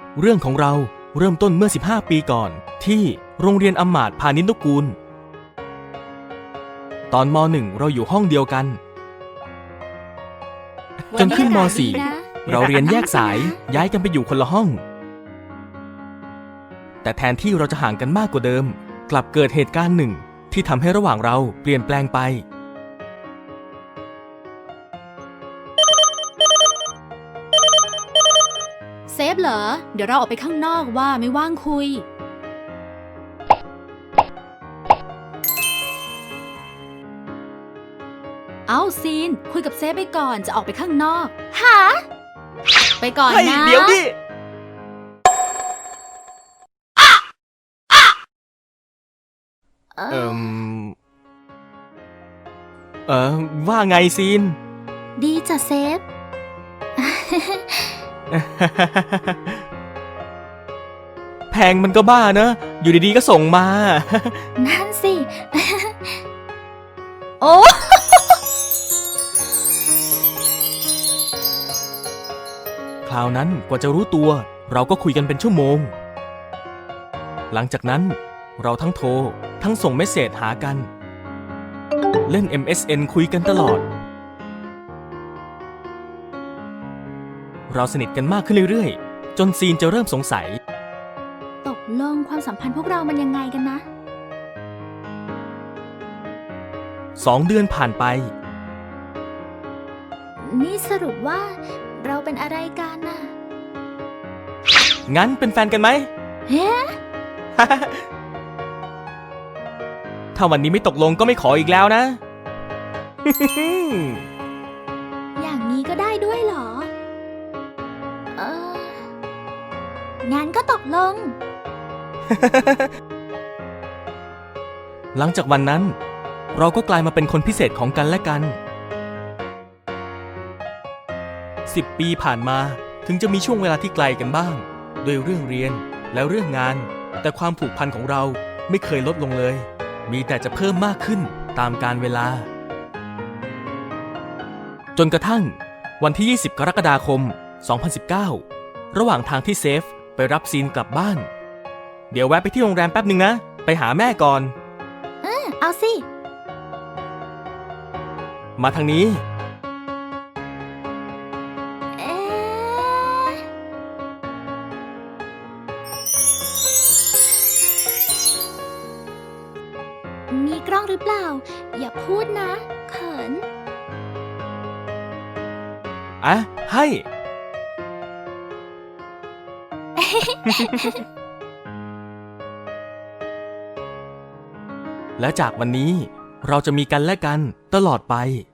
เรื่องของเราเริ่มต้นเมื่อ15 ปีก่อนที่โรงเรียนอำมาตย์พาณิชนุกูลตอนม.1 เราอยู่ห้องเดียวกันจนขึ้นม.4 เราเรียนแยกสายย้ายกันไปอยู่คนละห้องแต่แทนที่เราจะห่างกันมากกว่าเดิมกลับเกิดเหตุการณ์หนึ่งที่ทำให้ระหว่างเราเปลี่ยนแปลงไปเซฟเหรอเดี๋ยวเราออกไปข้างนอกว่าไม่ว่างคุยเอาซีนคุยกับเซฟไปก่อนจะออกไปข้างนอกหาไปก่อนนะเดี๋ยวดิว่าไงซีนดีจ้ะเซฟแพงมันก็บ้าเนอะอยู่ดีๆก็ส่งมานั่นสิ โอ้คราวนั้นกว่าจะรู้ตัวเราก็คุยกันเป็นชั่วโมงหลังจากนั้นเราทั้งโทรทั้งส่งเมสเสจหากันเล่น MSN คุยกันตลอดเราสนิทกันมากขึ้นเรื่อยๆจนซีนจะเริ่มสงสัยตกลงความสัมพันธ์พวกเรามันยังไงกันนะ 2 เดือนผ่านไปนี่สรุปว่าเราเป็นอะไรกันน่ะงั้นเป็นแฟนกันไหมเฮ้ถ้าวันนี้ไม่ตกลงก็ไม่ขออีกแล้วนะอย่างนี้ก็ได้ด้วยเหรองั้นก็ตกลงหลังจากวันนั้นเราก็กลายมาเป็นคนพิเศษของกันและกัน10 ปีผ่านมาถึงจะมีช่วงเวลาที่ไกลกันบ้างด้วยเรื่องเรียนและเรื่องงานแต่ความผูกพันของเราไม่เคยลดลงเลยมีแต่จะเพิ่มมากขึ้นตามกาลเวลาจนกระทั่งวันที่20 กรกฎาคม 2019ระหว่างทางที่เซฟไปรับซีนกลับบ้านเดี๋ยวแวะไปที่โรงแรมแป๊บนึงนะไปหาแม่ก่อนเอาสิมาทางนี้มีกล้องหรือเปล่าอย่าพูดนะเขินให้ และจากวันนี้เราจะมีกันและกันตลอดไป